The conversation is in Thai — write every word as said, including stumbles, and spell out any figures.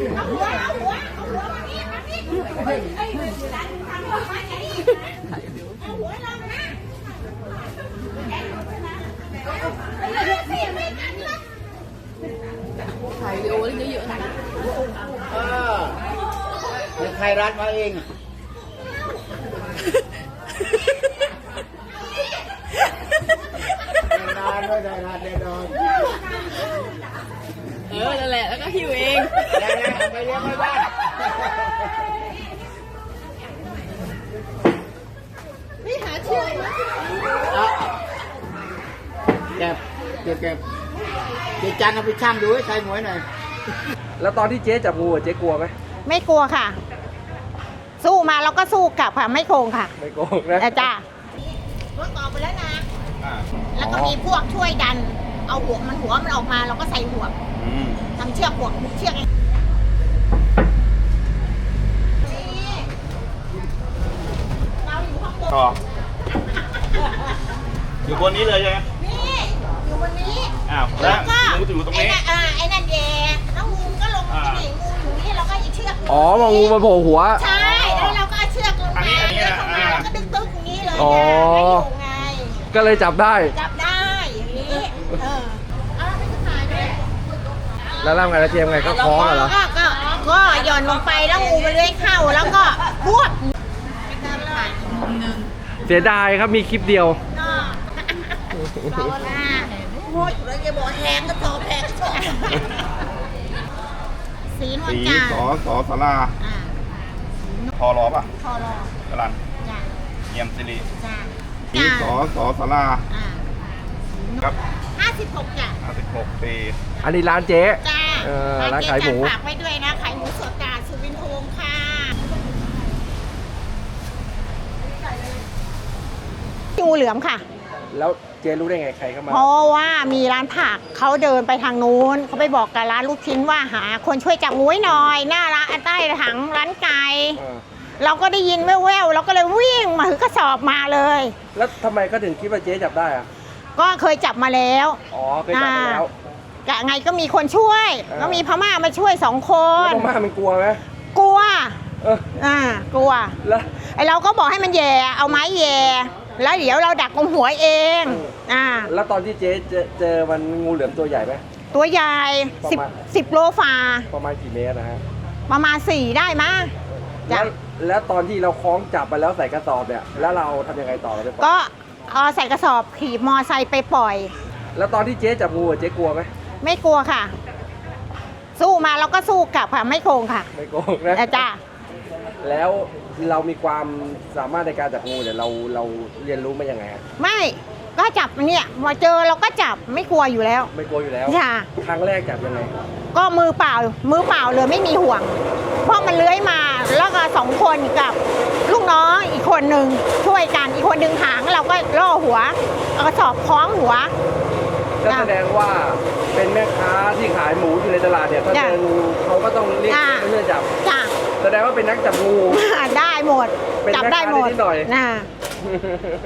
เอาหัวเอาหัวเอาหัวมานี่มานี่เฮ้ยเฮ้ยดันทำหัวมาอย่างนี้เอาหัวลงนะถ่ายวิดีโอเยอะๆนะเออเป็นใครรัดมาเองนอนด้วยนอนแน่นอนเออนั่นแหละแล้วก็หิวเองแล้วไปเลี้ยงไม่บ้านนี่หาเชือกมาเก็บเก็บเก็บเจ๊จันเอาไปช่างดูให้ใครหมวยหน่อยแล้วตอนที่เจ๊จับงูเจ๊กลัวไหมไม่กลัวค่ะสู้มาแล้วก็สู้กลับค่ะไม่โกงค่ะไม่โกงนะจ้ารถต่อไปแล้วนะแล้วก็มีพวกช่วยดันเอาหัวมันหัวมันออกมาเราก็ใส่หัวทำเชือกหัวเชือกเราอยู่ข้างบนอยู่บนนี้เลยใช่ไหมนี่อยู่บนนี้อ้าวแล้วงูอยู่ตรงนี้ไอ้นั่นแย่แล้วงูก็ลงที่นี่งูอยู่นี่เราก็เชือกอ๋อมางูมาโผล่หัวใช่แล้วเราก็เชือกลงมาแล้วเข้ามาแล้วก็ดึงตึ๊กอย่างนี้เลยอ๋อไงก็เลยจับได้จับได้อย่างนี้เออเอาไปขายด้วยแล้วร่างไงแล้วเทียมไงก็คล้องเหรอก็ก็หย่อนลงไปแล้วงูมันเลื้อยเข้าแล้วก็พวกเสียดายครับมีคลิปเดียวเราหน้าโอ้ยเราจะบอกแหงก็ต่อแหงก็ต่อสีนวลจันทร์สอสอสาราพอรอป่ะพอรอกรันเยี่ยมสิริสีสอสอสาราครับห้าสิบหกจ้ะห้าสิบหกปีอันนี้ร้านเจ๊จ้าร้านขายหมูฝากไว้ด้วยนะขายหมูสดจ้าสุวินทวงศ์ค่ะงูเหลือมค่ะแล้วเจ๊รู้ได้ไงใครเข้ามาเพราะว่ามีร้านผักเขาเดินไปทางนู้นเขาไปบอกกับร้านลูกชิ้นว่าหาคนช่วยจับงูให้หน่อยหน้าร้านใต้ถังร้านไก่เราก็ได้ยินแว่วๆเราก็เลยวิ่งมาถือกระสอบมาเลยแล้วทำไมก็ถึงคิดว่าเจ๊จับได้อะก็เคยจับมาแล้วอ๋อเคยจับมาแล้วกะไงก็มีคนช่วยก็มีพม่ามาช่วยสองคนพม่ามันกลัวไหมกลัวเอออ่ากลัวแล้วไอเราก็บอกให้มันแย่เอาไม้แย่แล้วเดี๋ยวเราดักตรงหัวเองอ่าแล้วตอนที่เจ๊เจอเจอมันงูเหลือมตัวใหญ่ไหมตัวใหญ่สิบสิบโลฝ่าประมาณกี่เมตรนะฮะประมาณสี่ได้มั้ยแล้วแล้วตอนที่เราคล้องจับไปแล้วใส่กระสอบเนี่ยแล้วเราทำยังไงต่อเราไปก็เอาใส่กระสอบขี่มอไซค์ไปปล่อยแล้วตอนที่เจ๊จับงูเจ๊กลัวไหมไม่กลัวค่ะสู้มาแล้วก็สู้กลับค่ะไม่โกงค่ะไม่โกงนะจ้าแล้วเรามีความสามารถในการจับงูเนี่ยเราเราเรียนรู้มายังไงฮะไม่ก็จับเนี่ยมาเจอเราก็จับไม่กลัวอยู่แล้วไม่กลัวอยู่แล้วค่ะครั้งแรกจับยังไงก็มือเปล่ามือเปล่าเลยไม่มีห่วงเพราะมันเลื้อยมาแล้วก็สองคนกับลูกน้องอีกคนหนึ่งช่วยกันอีกคนดึงหางเราก็ล่อหัวเอากระสอบคล้องหัวก็แสดงว่าเป็นแม่ค้าที่ขายหมูอยู่ในตลาดเนี่ยถ้าเจองูเขาก็ต้องเรียกเพื่อจับจ้าแสดงว่าเป็นนักจับงูได้หมดจับได้หมดหน่อยนะ